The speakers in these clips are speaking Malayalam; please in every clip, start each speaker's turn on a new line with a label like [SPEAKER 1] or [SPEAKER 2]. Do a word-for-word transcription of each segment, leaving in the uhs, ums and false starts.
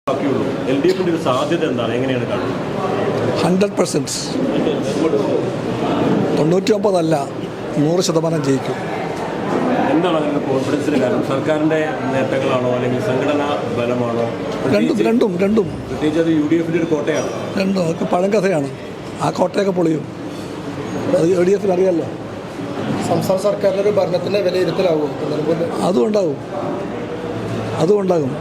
[SPEAKER 1] എൽ ഡി എഫിന്റെ ഒരു സാധ്യത എന്താണ്, എങ്ങനെയാണ് കാണുന്നത്?
[SPEAKER 2] ഹൺഡ്രഡ് പെർസെൻറ്റ് തൊണ്ണൂറ്റി ഒമ്പതല്ല നൂറ് ശതമാനം ജയിക്കും.
[SPEAKER 1] എന്താണ് അതിൻ്റെ കോൺഫിഡൻസിന് കാരണം? സർക്കാരിൻ്റെ നേട്ടങ്ങളാണോ അല്ലെങ്കിൽ സംഘടനാ ബലമാണോ?
[SPEAKER 2] രണ്ടും രണ്ടും രണ്ടും
[SPEAKER 1] പ്രത്യേകിച്ച് അത് യു ഡി എഫിൻ്റെ ഒരു കോട്ടയാണ്.
[SPEAKER 2] രണ്ടും ഒക്കെ പഴങ്കഥയാണ്. ആ കോട്ടയൊക്കെ പൊളിയും. അത് യു ഡി എഫിന് അറിയാമല്ലോ.
[SPEAKER 3] സംസ്ഥാന സർക്കാരിൻ്റെ ഒരു ഭരണത്തിൻ്റെ വിലയിരുത്തലാവും.
[SPEAKER 2] അതും ഉണ്ടാകും അതും ഉണ്ടാകും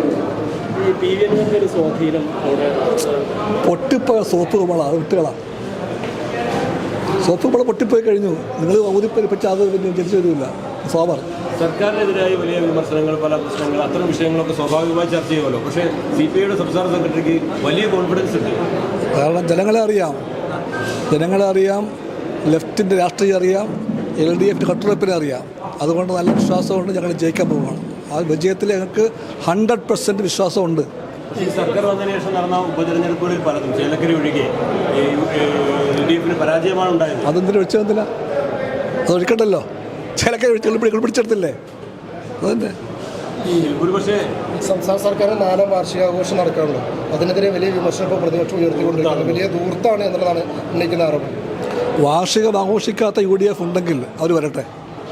[SPEAKER 2] പൊട്ടിപ്പോയ സോപ്പ് കുമ്പള അത് വിട്ടുകളാ. സോപ്പ് കുമ്പള പൊട്ടിപ്പോയി കഴിഞ്ഞു. നിങ്ങൾ ഊതിപ്പരിപ്പിച്ച അത് പിന്നെ തിരിച്ചു വരില്ല. സോമർ
[SPEAKER 1] സർക്കാരിനെതിരായ വലിയ വിമർശനങ്ങൾ, പല പ്രശ്നങ്ങൾ, അത്തരം വിഷയങ്ങളൊക്കെ സ്വാഭാവികമായി ചർച്ച ചെയ്യുമല്ലോ. പക്ഷേ സി പി ഐയുടെ സംസ്ഥാന സെക്രട്ടറിക്ക് വലിയ കോൺഫിഡൻസ് ഉണ്ട്. കാരണം
[SPEAKER 2] ജനങ്ങളെ അറിയാം ജനങ്ങളെ അറിയാം ലെഫ്റ്റിൻ്റെ രാഷ്ട്രീയം അറിയാം, എൽ ഡി എഫിൻ്റെ കട്ടുറപ്പിനെ അറിയാം. അതുകൊണ്ട് നല്ല വിശ്വാസമുണ്ട്. ഞങ്ങൾ ജയിക്കാൻ പോവുകയാണ്. ആ വിജയത്തിൽ ഞങ്ങൾക്ക് ഹൺഡ്രഡ് പെർസെൻറ്റ് വിശ്വാസമുണ്ട്.
[SPEAKER 1] ഈ സർക്കാർ വന്നതിന് ശേഷം നടന്ന ഉപതെരഞ്ഞെടുപ്പുകളിൽ പലതും ചേലക്കര ഒഴികെ എൽ ഡി എഫിന് പരാജയമാണ് ഉണ്ടായത്.
[SPEAKER 2] അതെന്തിനും ഒഴിച്ചതെന്തിനാ? അത് ഒഴിക്കണ്ടല്ലോ. ചേലക്കര ഒഴിച്ച് പിടിച്ചെടുത്തില്ലേ? അതന്നെ.
[SPEAKER 1] ഒരുപക്ഷെ
[SPEAKER 3] സംസ്ഥാന സർക്കാരിന് നാലാം വാർഷികാഘോഷം നടക്കാറുണ്ട്. അതിനെതിരെ വലിയ വിമർശനം ഇപ്പോൾ പ്രതിപക്ഷം ഉയർത്തിക്കൊണ്ടിരിക്കുന്നത് വലിയ ദൂർത്താണ് എന്നുള്ളതാണ് ഉന്നയിക്കുന്ന ആരോപണം.
[SPEAKER 2] വാർഷികം ആഘോഷിക്കാത്ത യു ഡി എഫ് ഉണ്ടെങ്കിൽ അവർ വരട്ടെ.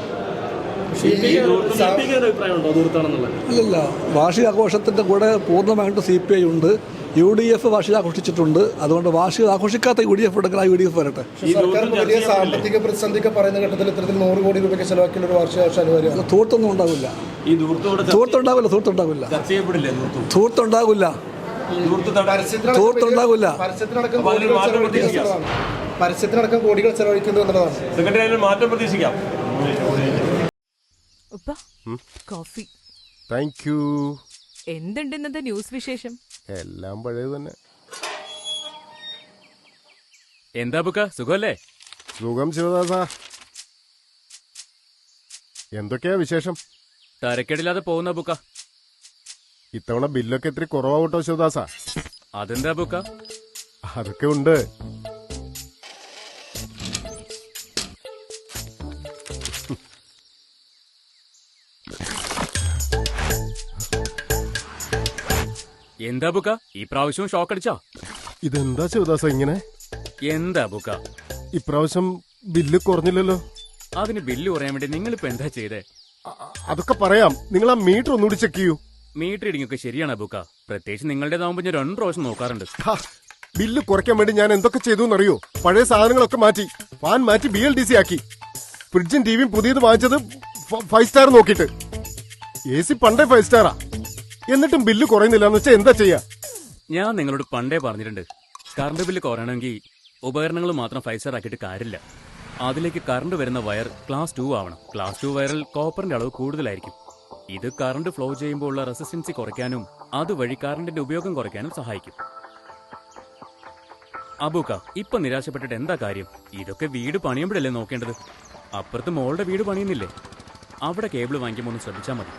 [SPEAKER 2] ഇല്ലല്ല, വാർഷികാഘോഷത്തിൻ്റെ കൂടെ പൂർണ്ണമായിട്ട് സി പി ഐ ഉണ്ട്. യു ഡി എഫ് വാർഷിക ആഘോഷിച്ചിട്ടുണ്ട്. അതുകൊണ്ട് വാർഷിക ആഘോഷിക്കാത്ത യു ഡി എഫ് ഉണ്ടെങ്കിൽ ആ യു ഡി എഫ് വരട്ടെ.
[SPEAKER 3] സർക്കാർ വലിയ സാമ്പത്തിക പ്രതിസന്ധിക്ക് പറയുന്ന ഘട്ടത്തിൽ ഇത്തരത്തിൽ നൂറ് കോടി രൂപയ്ക്ക് ചെലവാക്കിയ ഒരു വാർഷികാഘോഷം അനിവാര്യമാണ്.
[SPEAKER 2] ധൂർത്തൊന്നും ഉണ്ടാവില്ല. ധൂർത്തുണ്ടാവില്ല ധൂർത്തുണ്ടാവില്ല ധൂർത്തുണ്ടാവില്ല ധൂർത്തുണ്ടാവില്ല
[SPEAKER 3] പരസ്യത്തിനടക്കം കോടികൾ ചെലവഴിക്കുന്നു എന്നുള്ളതാണ്.
[SPEAKER 1] മാറ്റം പ്രതീക്ഷിക്കാം.
[SPEAKER 4] കോഫി.
[SPEAKER 5] Thank you.
[SPEAKER 4] എന്തുണ്ട് ഇന്നത്തെ ന്യൂസ് വിശേഷം?
[SPEAKER 5] എല്ലാം പഴയത് തന്നെ.
[SPEAKER 6] എന്താ ബുക്ക, സുഖമല്ലേ?
[SPEAKER 5] സുഖം ശിവദാസ. എന്തൊക്കെയാ വിശേഷം?
[SPEAKER 6] തരക്കേടില്ലാതെ പോകുന്ന ബുക്ക.
[SPEAKER 5] ഇത്തവണ ബില്ലൊക്കെ ഇത്തിരി കുറവാവട്ടോ ശിവദാസ.
[SPEAKER 6] അതെന്താ ബുക്ക?
[SPEAKER 5] അതൊക്കെ ഉണ്ട്.
[SPEAKER 6] എന്താ ബുക്ക, ഈ പ്രാവശ്യവും ഷോക്ക് അടിച്ചാ?
[SPEAKER 5] ഇതെന്താ ശിവദാസ ഇങ്ങനെ?
[SPEAKER 6] എന്താ ബുക്ക,
[SPEAKER 5] ഇപ്രാവശ്യം ബില്ല് കുറഞ്ഞില്ലല്ലോ.
[SPEAKER 6] അതിന് ബില്ല് കുറയാൻ വേണ്ടി നിങ്ങളിപ്പോ എന്താ ചെയ്തേ?
[SPEAKER 5] അതൊക്കെ പറയാം. നിങ്ങൾ ആ മീറ്റർ ഒന്നുകൂടി ചെക്ക് ചെയ്യൂ.
[SPEAKER 6] മീറ്റർ റീഡിംഗ് ഒക്കെ ശരിയാണ് ബുക്ക. പ്രത്യേകിച്ച് നിങ്ങളുടേതാവുമ്പോ ഞാൻ രണ്ട് പ്രാവശ്യം നോക്കാറുണ്ട്.
[SPEAKER 5] ബില്ല് കുറയ്ക്കാൻ വേണ്ടി ഞാൻ എന്തൊക്കെ ചെയ്തു എന്നറിയോ? പഴയ സാധനങ്ങളൊക്കെ മാറ്റി, ഫാൻ മാറ്റി ബി എൽ ഡി സി ആക്കി, ഫ്രിഡ്ജും ടിവിയും പുതിയത് വാങ്ങിച്ചത് ഫൈവ് സ്റ്റാർ നോക്കിയിട്ട്. എ സി പണ്ടേ ഫൈവ് സ്റ്റാറാ, എന്നിട്ടും ബില്ല് കുറയുന്നില്ല എന്ന് വെച്ചാൽ എന്താ ചെയ്യാ?
[SPEAKER 6] ഞാൻ നിങ്ങളോട് പണ്ടേ പറഞ്ഞിട്ടുണ്ട്, കറണ്ട് ബില്ല് കുറയണമെങ്കിൽ ഉപകരണങ്ങൾ മാത്രം ഫൈവ് സ്റ്റാർ ആക്കിയിട്ട് കാര്യമില്ല. അതിലേക്ക് കറണ്ട് വരുന്ന വയർ ക്ലാസ് ടു ആവണം. ക്ലാസ് ടു വയറിൽ കോപ്പറിന്റെ അളവ് കൂടുതലായിരിക്കും. ഇത് കറണ്ട് ഫ്ലോ ചെയ്യുമ്പോൾ ഉള്ള റെസിസ്റ്റൻസി കുറയ്ക്കാനും അതുവഴി കറണ്ടിന്റെ ഉപയോഗം കുറയ്ക്കാനും സഹായിക്കും. അബൂക്ക, ഇപ്പൊ നിരാശപ്പെട്ടിട്ട് എന്താ കാര്യം? ഇതൊക്കെ വീട് പണിയുമ്പോഴല്ലേ നോക്കേണ്ടത്. അപ്പുറത്ത് മോളുടെ വീട് പണിയുന്നില്ലേ? അവിടെ കേബിൾ വാങ്ങിക്കുമ്പോൾ ഒന്ന് ശ്രദ്ധിച്ചാൽ മതി.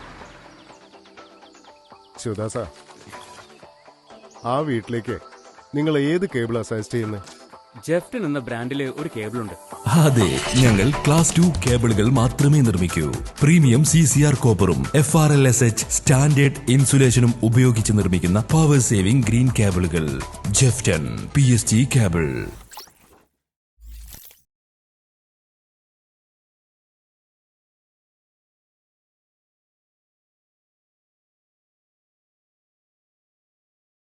[SPEAKER 5] ശിവദാസ, ആ വീട്ടിലേക്ക് നിങ്ങൾ ഏത് കേബിളാ സജസ്റ്റ് ചെയ്യുന്നത്?
[SPEAKER 6] ജെഫ്റ്റൺ എന്ന ബ്രാൻഡില് ഒരു കേബിൾ ഉണ്ട്.
[SPEAKER 7] അതെ, ഞങ്ങൾ ക്ലാസ് ടു കേബിളുകൾ മാത്രമേ നിർമ്മിക്കൂ. പ്രീമിയം സി സി ആർ കോപ്പറും F R L S H standard ഇൻസുലേഷനും ഉപയോഗിച്ച് നിർമ്മിക്കുന്ന പവർ സേവിംഗ് ഗ്രീൻ കേബിളുകൾ. Jefton P S T cable.